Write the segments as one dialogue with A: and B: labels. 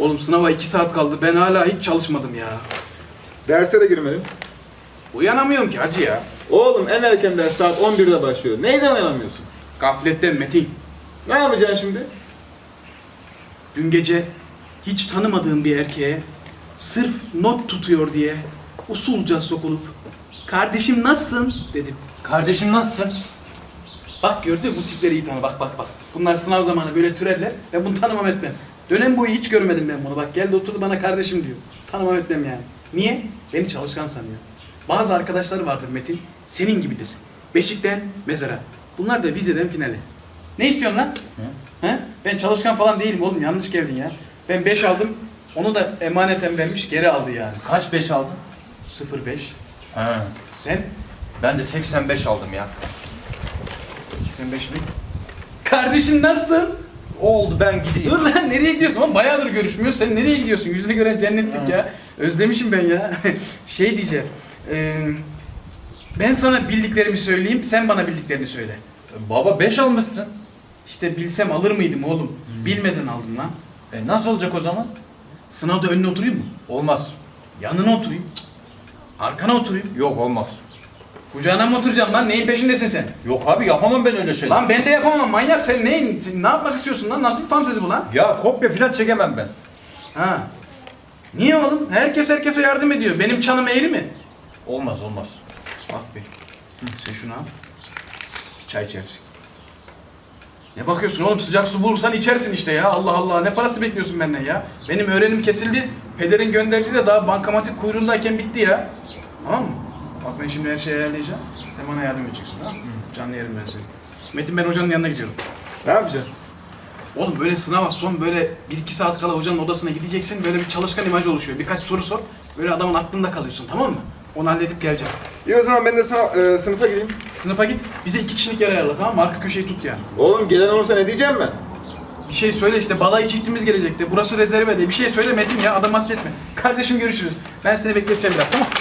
A: Oğlum sınava 2 saat kaldı. Ben hala hiç çalışmadım ya.
B: Derse de girmedin.
A: Uyanamıyorum ki hacı ya.
B: Oğlum en erken ders saat 11'de başlıyor. Neyden uyanamıyorsun?
A: Gafletten Metin.
B: Ne yapacaksın şimdi?
A: Dün gece hiç tanımadığım bir erkeğe sırf not tutuyor diye usulca sokulup "Kardeşim nasılsın?" dedim.
C: Kardeşim nasılsın?
A: Bak gördün mü bu tipleri iyi tanı. Bak. Bunlar sınav zamanı böyle türerler. Ben bunu tanımam etmem. Dönem boyu hiç görmedim ben bunu. Bak geldi oturdu bana kardeşim diyor. Tanımam etmem yani. Niye? Beni çalışkan sanıyor. Bazı arkadaşları vardır Metin. Senin gibidir. Beşikten mezara. Bunlar da vizeden finale. Ne istiyorsun lan? He? Ben çalışkan falan değilim oğlum. Yanlış geldin ya. Ben 5 aldım. Onu da emaneten vermiş geri aldı yani.
C: Kaç 5 aldın?
A: 0,5.
C: He.
A: Sen?
C: Ben de 85 aldım ya.
A: 85 mi? Kardeşin nasılsın?
C: Oldu ben gideyim.
A: Dur lan nereye gidiyorsun? Oğlum bayağıdır görüşmüyoruz. Sen nereye gidiyorsun? Yüzünü gören cennetlik ya. Özlemişim ben ya. Şey diyeceğim. Ben sana bildiklerimi söyleyeyim. Sen bana bildiklerini söyle.
C: Baba 5 almışsın.
A: İşte bilsem alır mıydım oğlum? Bilmeden aldım lan.
C: Nasıl olacak o zaman?
A: Sınavda önüne oturayım mı?
C: Olmaz.
A: Yanına oturayım. Arkana oturayım.
C: Yok olmaz.
A: Kucağına mı oturacağım lan? Neyin peşindesin sen?
C: Yok abi yapamam ben öyle şeyler.
A: Lan ben de yapamam manyak. Sen ne yapmak istiyorsun lan? Nasıl bir fantezi bu lan?
C: Ya kopya falan çekemem ben.
A: Ha. Niye oğlum? Herkes herkese yardım ediyor. Benim çanım eğri mi?
C: Olmaz.
A: Bak be. Sen şunu al. Çay içersin. Ne bakıyorsun oğlum? Sıcak su bulursan içersin işte ya. Allah Allah. Ne parası bekliyorsun benden ya? Benim öğrenim kesildi. Pederin gönderdiği de daha bankamatik kuyruğundayken bitti ya. Tamam mı? Bak ben şimdi her şeyi ayarlayacağım. Sen bana yardım edeceksin tamam mı? Canlı yerim ben seni. Metin ben hocanın yanına gidiyorum.
B: Ne yapacaksın?
A: Oğlum böyle sınava son böyle 1-2 saat kala hocanın odasına gideceksin. Böyle bir çalışkan imajı oluşuyor. Birkaç soru sor. Böyle adamın aklında kalıyorsun tamam mı? Onu halledip geleceğim.
B: İyi o zaman ben de sınıfa gideyim.
A: Sınıfa git. Bize 2 kişilik yer ayarla tamam mı? Arka köşeyi tut yani.
B: Oğlum gelen olursa ne diyeceğim ben?
A: Bir şey söyle işte balayı çiftimiz gelecekti. Burası rezerve diye. Bir şey söyle Metin ya. Adam hasretme. Kardeşim görüşürüz. Ben seni bekleteceğim biraz tamam.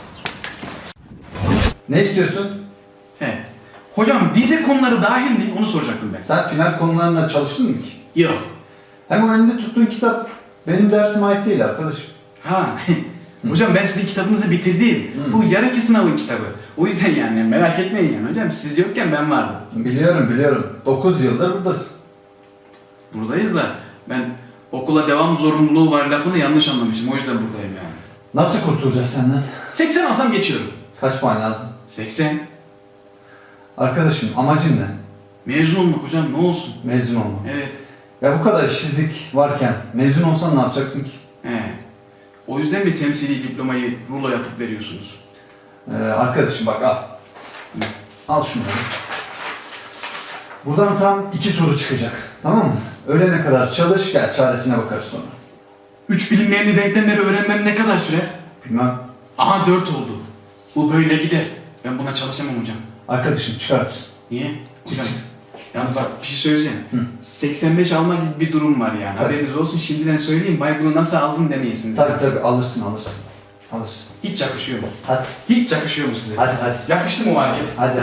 D: Ne istiyorsun?
A: He. Hocam vize konuları dahil mi? Onu soracaktım ben.
D: Sen final konularına çalıştın mı ki?
A: Yok.
D: Hem o elinde tuttuğun kitap benim dersime ait değil arkadaşım.
A: Ha. Hocam ben sizin kitabınızı bitirdim.
D: Hı.
A: Bu yarınki sınavın kitabı. O yüzden yani merak etmeyin yani hocam. Siz yokken ben vardım.
D: Biliyorum. 9 yıldır buradasın.
A: Buradayız da ben okula devam zorunluluğu var lafını yanlış anlamışım. O yüzden buradayım yani.
D: Nasıl kurtulacağız senden? 80
A: alsam geçiyorum.
D: Kaç puan lazım?
A: 80.
D: Arkadaşım amacın ne?
A: Mezun olmak hocam ne olsun?
D: Mezun olmak.
A: Evet.
D: Ya bu kadar işsizlik varken mezun olsan ne yapacaksın ki?
A: He. O yüzden bir temsili diplomayı rulo yapıp veriyorsunuz.
D: Arkadaşım bak al. Al şunları. Buradan tam 2 soru çıkacak. Tamam mı? Öğlene kadar çalış gel çaresine bakarız sonra.
A: 3 bilinmeyenli denklemleri öğrenmem ne kadar sürer?
D: Bilmem.
A: Aha 4 oldu. Bu böyle gider. Ben buna çalışamam hocam.
D: Arkadaşım çıkar mısın?
A: Niye? Hocam. Yalnız bak bir şey söyleyeceğim.
D: Hı.
A: 85 alma gibi bir durum var yani.
D: Tabii.
A: Haberiniz olsun şimdiden söyleyeyim. Bay bunu nasıl aldın demeyesiniz.
D: Tabii alırsın.
A: Hiç yakışıyor mu?
D: Hadi.
A: Hiç yakışıyor mu size?
D: Hadi.
A: Yakıştı mı o hareket?
D: Hadi.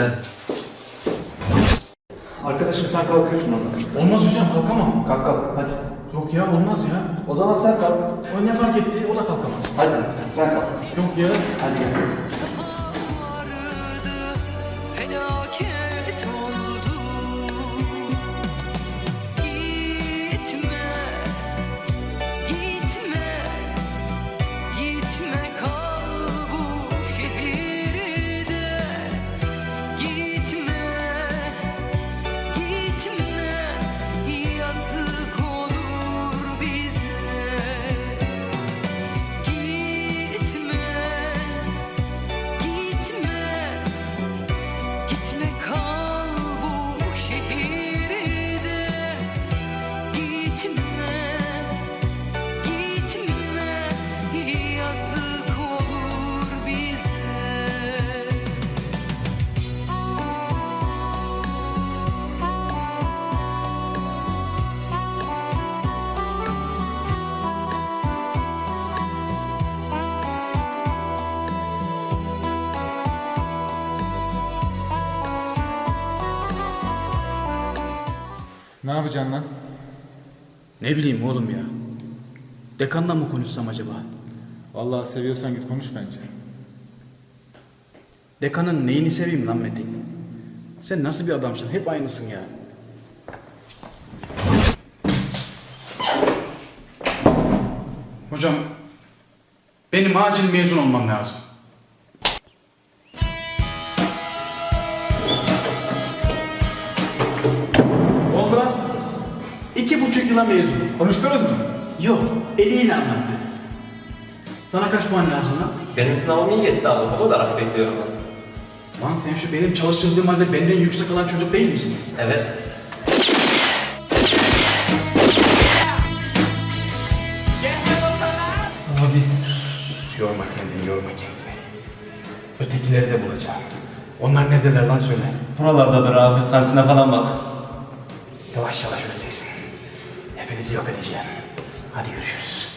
D: Arkadaşım sen kalkıyorsun oradan.
A: Olmaz hocam kalkamam.
D: Kalk hadi.
A: Yok ya olmaz ya.
D: O zaman sen kalk.
A: O ne fark etti? O da kalkamaz.
D: Hadi sen kalk.
A: Yok ya.
D: Hadi gel.
E: Felaket oldu. Gitme, gitme kal bu şehirde. Gitme, yazık olur bize. Gitme, gitme kal bu şehirde. Gitme, yazık olur bize.
B: Ne yapacaksın lan?
A: Ne bileyim oğlum ya. Dekanla mı konuşsam acaba?
B: Vallahi seviyorsan git konuş bence.
A: Dekanın neyini seveyim lan Metin? Sen nasıl bir adamsın? Hep aynısın ya. Hocam, benim acil mezun olmam lazım.
B: Ne oldu lan?
A: 2,5 yıla mezun.
B: Konuştunuz mu?
A: Yok, eliyle anlattı. Sana kaç puan lazım lan?
F: Benim sınavım iyi geçti abi. O kadar bekliyorum ben.
A: Lan sen şu benim çalıştırdığım halde benden yüksek alan çocuk değil misin?
F: Evet.
A: Abi. Yorma kendini, yorma kendini. Ötekileri de bulacağım. Onlar neredeler lan söyle.
C: Buralardadır abi. Kantine falan bak.
A: Yavaş yavaş öleceksin. Hepinizi yok edeceğim. Hadi görüşürüz.